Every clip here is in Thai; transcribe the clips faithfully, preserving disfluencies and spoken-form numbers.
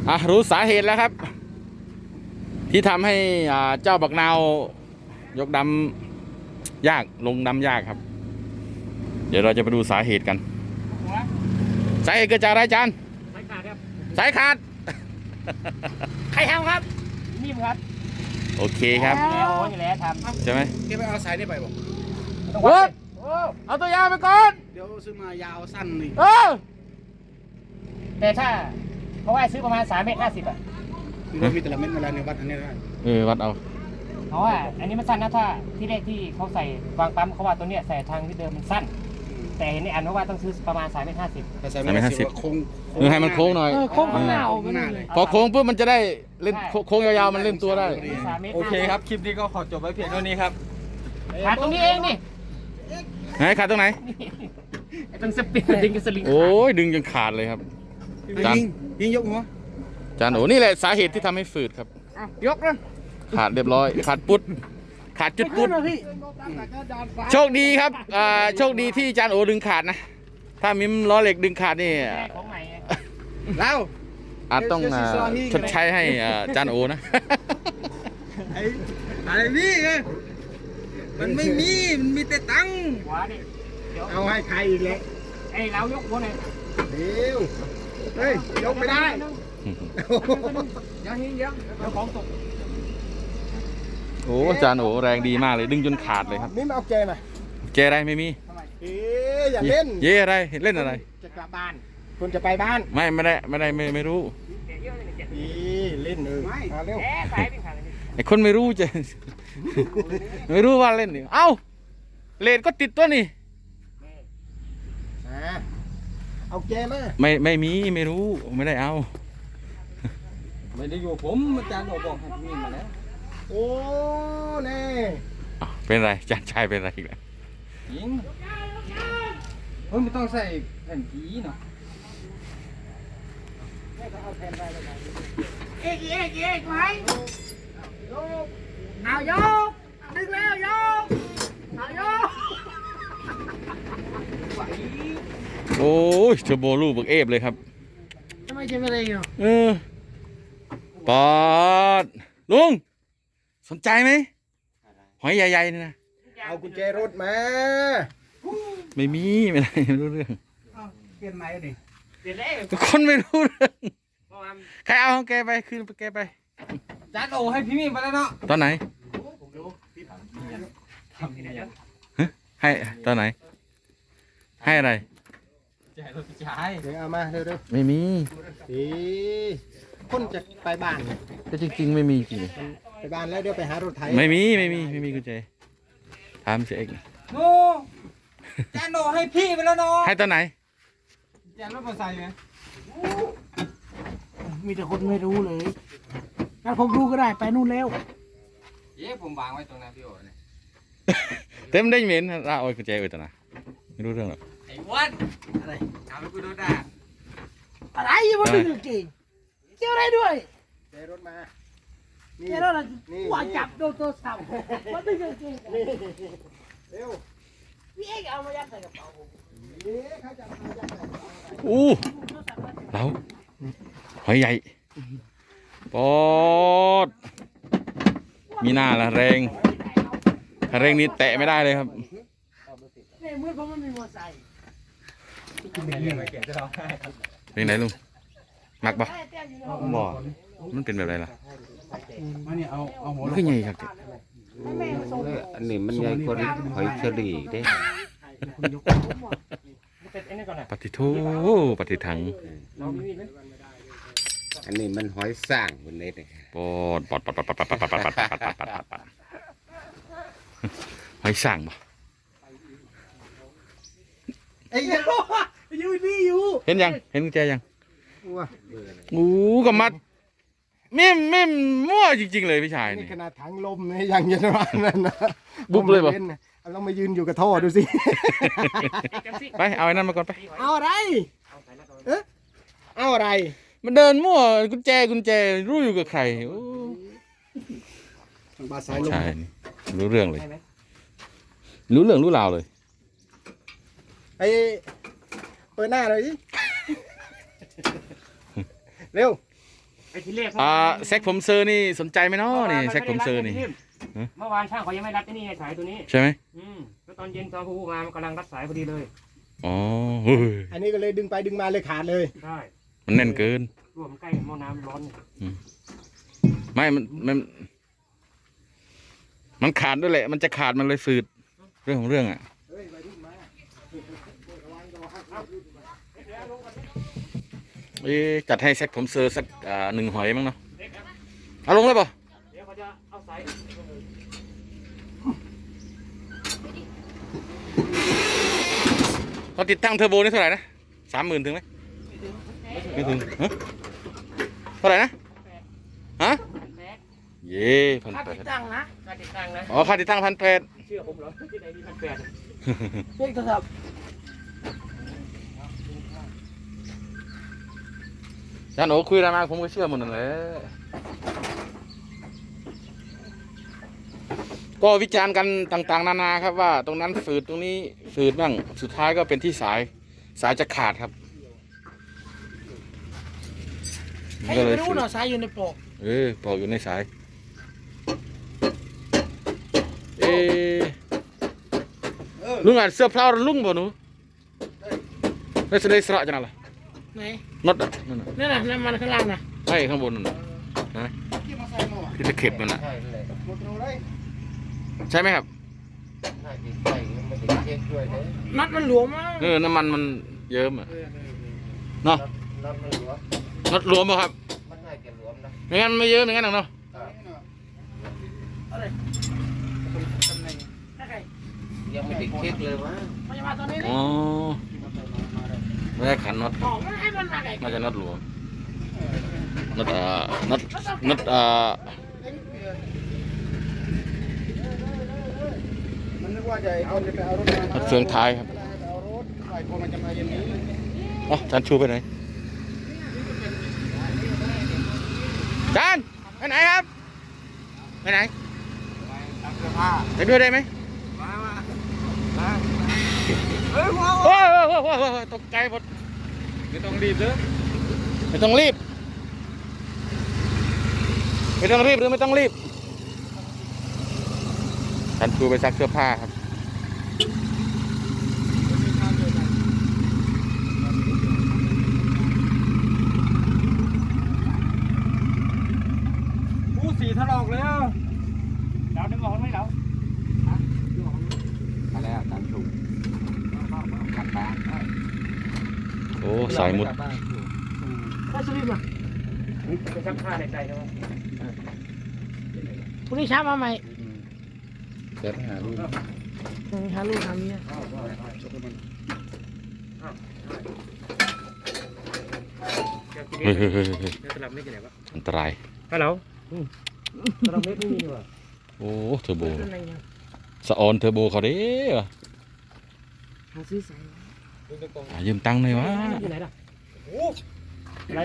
อ่ะรู้สาเหตุแล้วครับ ที่ทำให้อ่าเจ้าบักนาวยกดำยากลงดำยากครับ เดี๋ยวเราจะไปดูสาเหตุกันสาเหตุเกิดจากอะไรจานสายขาดครับสายขาดใครทำครับนิ่มครับโอเคครับแล้วนี่แหละทำใช่ไหมแกไปเอาสายนี่ไปบอกเวิร์ดเอาตัวยาวไปก่อนเดี๋ยวซื้อมายาวสั้นนี่เออแต่ถ้าเพราะว่าซื้อประมาณสามเมตรห้าสิบอ่ะมีแต่ละเม็ดเวลาในวัดอันนี้ได้เออวัดเอาเพราะว่าอันนี้มันสั้นนะถ้าที่แรกที่เขาใส่วางปั๊มเขาว่าตัวเนี้ยใส่ทางที่เดิมมันสั้นแต่เห็นในอันว่าต้องซื้อประมาณสามเมตรห้าสิบสามเมตรห้าสิบโค้งเออให้มันโค้งหน่อยโค้งข้างหน้าพอโค้งปุ๊บมันจะได้เล่นโค้งยาวๆมันเล่นตัวได้โอเคครับคลิปนี้ก็ขอจบไว้เพียงเท่านี้ครับขาดตรงนี้เองนี่ไหนขาดตรงไหนตรงสปริงดึงกับสลิงโอ้ยดึงจนขาดเลยครับจานยิงยกหัวจานโอ้นี่แหละสาเหตุที่ทำให้ฝืดครับยกนะขาดเรียบร้อยขาดปุ๊ดขาดจุดปุ๊ดโชคดีครับอ่าโชคดีที่จานโอดึงขาดนะถ้ามิมล้อเหล็กดึงขาดนี่แล้วอาจต้องชดใช้ให้จานโอนะไอ้อะไรนี่ไงมันไม่มีมันมีแต่ตังค์เอาให้ใครอีกเลยไอ้เรายกหัวหน่อยเดี๋ยวเฮ้ยยกไม่ได้ยังยังยังเดี๋ยวของตกโอ้จานโอแรงดีมากเลยดึงจนขาดเลยครับนี่มาเอาแกมาแกอะไรไม่มีเอ๊ะอย่าเล่นเย่อะไรเล่นอะไรจะกลับบ้านคุณจะไปบ้านไม่ไม่ได้ไม่ได้ไม่ไม่รู้นี่เล่นเออมาเร็วไอ้คนไม่รู้จะไม่รู้ว่าเล่นนี่เอ้าเลดก็ติดตัวนี่เอาแกมาไม่ไม่มีไม่รู้ไม่ได้เอาไม่ได้อยู่ผมอาจารย์โอบอกให้มีมาแล้วโอ้เน่เป็นไรจานชายเป็นไรอีกแล้วยิงเฮ้ยไม่ต้องใส่แผ่นผีเนาะเอ๊ะเอ๊ะเอ๊ะไหมเอายกดึงแล้วยกเอายกโอ้ยเทอร์โบลูกบักเอฟเลยครับทำไมจะไม่ได้เนาะเออปอดลุงสนใจไหมหอยใหญ่ๆนี่นะเอากุญแจรถมาไม่มีไม่ได้ไม่รู้เรื่องเปลี่ยนไหมดิเปลี่ยนแล้วคนไม่รู้เรื่องใครเอาของแกไปคืนไปแกไปจานโอให้พี่มีไปแล้วเนาะตอนไหนให้ตอนไหนให้อะไรจ่ายรถจ่ายเดี๋ยวเอามาเร็วๆไม่มีอีคนจะไปบ้านก็จริงๆไม่มีจริงไปบ้านแล้วเดี๋ยวไปหารถไถไม่มีไม่มีไม่มีกุญแจถามเสียเองโน่จานโอให้พี่ไปแล้วเนาะให้ตอนไหนจานรถมอเตอร์ไซค์ไหมมีแต่คนไม่รู้เลยถ้าผมรู้ก็ได้ไปนู่นแล้วเย้ผมวางไว้ตรงนั้นพี่โอ๋เนี่ยเต็มได้เหม็นเราเอากุญแจไว้ตอนไหนไม่รู้เรื่องหรอกไอ้วันอะไรถามไปกูโดนด่าอะไรยังไม่รู้จริงเกี่ยวอะไรด้วยเดี๋ยวรถมาเกี่ยวอะไรว่าจับโดนตัวสั่งมันไม่จริงเร็วพี่เอ็กเอามายัดใส่กระเป๋าผมอู้เราหอยใหญ่ปอดมีหน้าละแรงถ้าแรงนี้แตะไม่ได้เลยครับเนี่ยเมื่อผมมันมีมอไซค์เป็นไหนลุงมักปะบ่มันเป็นแบบไรล่ะมันคือไงครับอันนี้มันใหญ่กว่าหอยเชอรี่เด้ปฏิทูปฏิถังอันนี้มันหอยสร้างบนเน็ตเลยปอดปอดปอดปอดปอดปอดปอดปอดปอดปอดปอดปอดปอดหอยสั่งบ่ไอ้ยังอยู่นี่อยู่เห็นยังเห็นกุญแจยังอู้กับมัดมิ่มมิ่มมั่วจริงๆเลยพี่ชายนี่ขนาดถังลมนี่ยังยันว่านั่นนะบุ๊บเลยบ่ลองมายืนอยู่กับท่อดูสิไปเอาไอ้นั่นมาก่อนไปเอาอะไรเอ๊ะเอาอะไรมันเดินมั่วกุญแจกุญแจรู้อยู่กับใครบาสายลมใช่รู้เรื่องเลยรู้เรื่องรู้ราวเลยไอเปิดหน้าเลยสิเร็วไอ้ที่แรกอ่าแซกผมเซอร์นี่สนใจไหมเนาะนี่แซกผมเซอร์นี่เมื่อวานช่างเขายังไม่รัดไอ้นี่ไงสายตัวนี้ใช่ไหมอืมแล้วตอนเย็นตอนผู้งานมันกำลังรัดสายพอดีเลยอ๋อเฮ้ยอันนี้ก็เลยดึงไปดึงมาเลยขาดเลยใช่มันแน่นเกินรวมใกล้หม้อน้ำร้อนไม่มันมัน มันขาดด้วยแหละ มันจะขาดมันเลยฝืด เรื่องของเรื่องอ่ะเอ๊ะจัดให้แซกผมเซอร์สักอ่าหนึ่งหอยมั้งเนาะเอาลงเลยป่ะเดี๋ยวเขาจะเอาสายเราติดตั้งเทอร์โบนี่เท่าไหร่นะสามหมื่นถึงไหมไม่ถึงฮะเท่าไหร่นะฮะเย่พันแปดตั้งนะการติดตั้งนะอ๋อค่าติดตั้งพันแปดเชื่อผมเหรอที่ไหนมีพันแปดเรื่องโทรศัพท์จานโอ้คุยอะไรมาผมก็เชื่อหมดนั่นแหละก็วิจารณ์กันต่างๆนานาครับว่าตรงนั้นฝืดตรงนี้ฝืดบ้างสุดท้ายก็เป็นที่สายสายจะขาดครับให้ก็เลไม่ยรู้ฝืดเนาะสายอยู่ในปลอกเออปอกอยู่ในสายเอ๊ะลุงอ่านเสื้อเพลาลุงบ่หนูไม่แสดงสระจังอะไรไหนน็อตอ่ะนั่นน่ะนั่นน่ะน้ำมันข้างล่างน่ะใช่ข้างบนนั่นน่ะนะที่ตะเข็บนั่นน่ะใช่เลยหมดเลยใช่ไหมครับน่าจะใช่ไม่ได้เช็คด้วยเลยนัดมันหลวมมากเออน้ำมันมันเยิ้มอ่ะเนาะรถมันหลวมน็อตรวมป่ะครับมันน่าจะหลวมนะไม่งั้นไม่เยิ้มอย่างนั้นหรอกเนาะอะไรตำแหน่งถ้าใครยังไม่ได้เช็คเลยว่าพยาบาลตอนนี้อ๋อไม่ได้ขันน็อตออกมันให้มันมาไงน่าจะน็อตรวมน็อตอ่าน็อตน็อตอ่ามันนึกว่าจะเอาจะไปเอารถมาน็อตเฟืองท้ายครับเอารถไอ้พอมันจะมาเย็นนี้อ๋อจานชูไปไหนจานไปไหนครับไปไหนไปด้วยได้ไหมเฮ้ยว้าวโอ้ยโอ้ยโอ้ยโอ้ยโอ้ยตกใจหมดไม่ต้องรีบเด้อไม่ต้องรีบไม่ต้องรีบหรือไม่ต้องรีบจานชูไปซักเสื้อผ้าครับผู้สีถลอกแล้วเราดึงออกไหมเรามาแล้วตามถูกกลับบ้านโอ้สายมุดถ้าสลิปอ่ะเป็นชักผ้าในใจนะว่าพรุ่งนี้เช้ามาใหม่เกิดหาลูกหาลูกหาเมียเฮ้ยเฮ้ยเฮ้ยเฮ้ยสลับไม่กี่ไหนวะอันตรายฮัลโหลสลับไม่ไม่มีนี่ว่ะโอ้เทอร์โบเป็นอะไรเนี่ยสะออนเทอร์โบเขาเด้อหาซื้อสายหายืมตังค์หน่อยวะที่ไหนล่ะอะไร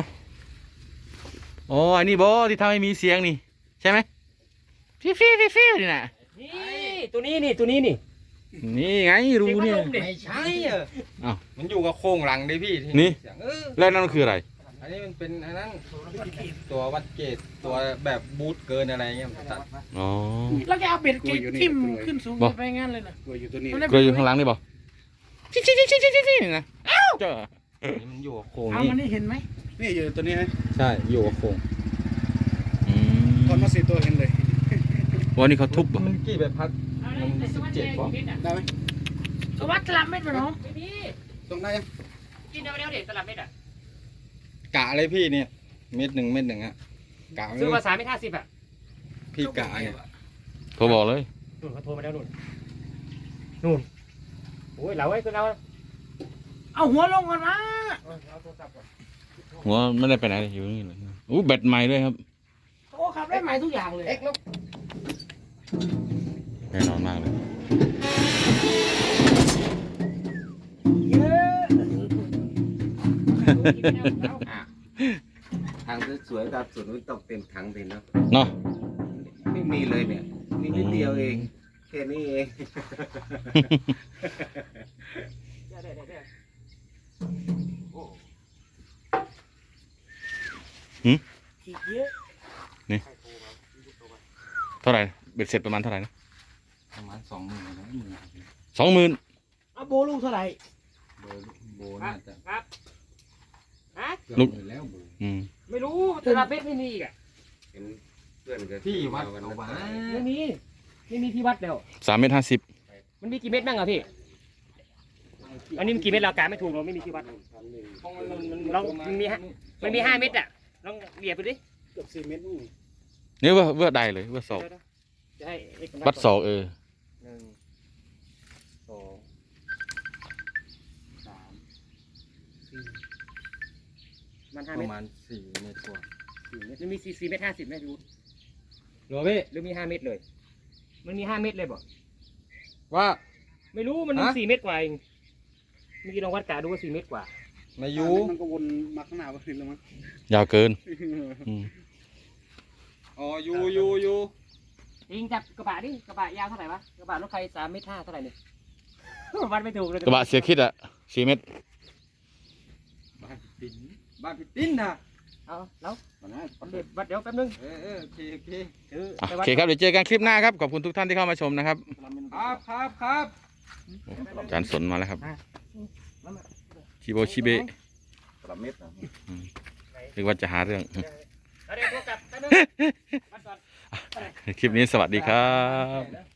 อ๋อไอ้นี่บอที่ทำให้มีเสียงนี่ใช่ไหมฟิวฟิวฟิวฟิวนี่นะนี่ตัวนี้นี่ตัวนี้นี่นี่ไงรูเนี่ยไม่ใช่อ่ะอ้าวมันอยู่กับโครงหลังดิพี่นี่เสียงเออแล้วนั่นคืออะไรอันนี้มันเป็นอันนั้นตัววัดเกตตัวแบบบูทเกินอะไรเงี้ยมันตัดอ๋อแล้วแกเอาเบ็ดเกทิ่มขึ้นสูงบ่ไปงั้นเลยนะตัวอยู่ตัวนี้มันได้เกลืออยู่ข้างหลังนี่บอชิชิชิชิชิชิชินี่นะอ้าวเจ้าอันนี้มันอยู่กับโครงเอานี่มันนี่เห็นไหมนี่อยู่ตัวนี้นะใช่อยู่กับโครงอืมตอนมาสี่ตัวเห็นเลยวันนี้เขาทุบบ่มันกี่ใบพัดมันสิบเจ็ดป่ะได้ไหมสวัสดิ์สลับเม็ดมาเนาะไม่มีตรงได้ยังกินเดี๋ยวเดี๋ยวเด็กสลับเม็ดอ่ะกะเลยพี่เนี่ยเม็ดหนึ่งเม็ดหนึ่งอะกะซื้อเลมาย สามไม่ห้าสิบอ่ะพี่กะเนี่ยโทรบอกเลยนู่นเขาโทรมาแล้วนู่นนู่นโอ้ยเราไอ้คือเราเอาหัวลงก่อนนะเอาโทรศัพท์ก่อนหัวไม่ได้ไปไหนเลยอยู่นี่เลยอู้แบตใหม่ด้วยครับโอ้ขับได้ใหม่ทุกอย่างเลยเอ็กซ์ลูกแน่นอนมากเลยเยอะทางสวยๆตามสวนมันต้องเต็มถังเลยเนาะเนาะไม่มีเลยเนี่ยมีนิดเดียวเองแค่นี้เองได้ได้ได้ได้โอ้หืมอีกเยอะเท่าไหร่เบ็ดเสร็จประมาณเท่าไหร่นะประมาณสองหมื่นนะหมื่นสองหมื่นเอาโบลูกเท่าไหร่โบโบน่าจะครับฮะเกือบหมื่นแล้วโบอืมไม่รู้แต่ละเพชรไม่มีอีกอ่ะเห็นเพื่อนก็ที่วัดวันเอานั้นไว้ไม่มีไม่มีที่วัดแล้วสามเมตรห้าสิบมันมีกี่เม็ดบ้างอ่ะพี่อันนี้มันกี่เม็ดเรากาไม่ถูกเราไม่มีที่วัดเพราะมันมันลองมันมีฮะ มันมีห้าเม็ดอ่ะลองเหยียบไปดิเกือบสี่เมตรนี่นี่ว่าว่าใดเลยว่าศอกจะให้เอ็กซ์วัดศอกเออหนึ่งสองสามสี่มันห้าปเม็ดระมาณสี่เมตรกว่าสี่เม็ดมันมีสี่สี่เม็ดห้าสิบไหมพี่วุฒิหรอพี่หรือมีห้าเม็ดเลย มันมีห้าเม็ดเลยบ่ว่าไม่รู้มันมีฮะสี่เม็ดกว่าเองเมื่อกี้ลองวัดกาดูว่าสี่เม็ดกว่ามายุมันก็วนมาข้างหน้าไปแล้วมั้งยาวเกินอืมอ๋อยูยูยูเองจับกระบะดิกระบะยาวเท่าไหร่วะกระบะรถใครสามเมตรห้าเท่าไหร่เนี่ยวัดไม่ถูกเลยกระบะเสียคิดอะสี่เมตรบ้านพี่ติ้นบ้านพี่ติ้นนะเอาแล้วตอนนั้นเดี๋ยววัดเดี๋ยวแป๊บนึงเออเออโอเคโอเคถืออ่ะไปโอวัดเคครับเดี๋ยวเจอกันคลิปหน้าครับขอบคุณทุกท่านที่เข้ามาชมนะครับครับครับครับอาจารย์สนมาแล้วครับชิโบชิเบะสามเมตรอืมนึกว่าจะหาเรื่องเอาเดี๋ยวโทรกลับแป๊บนึงวัดก่อนคลิปนี้สวัสดีครับ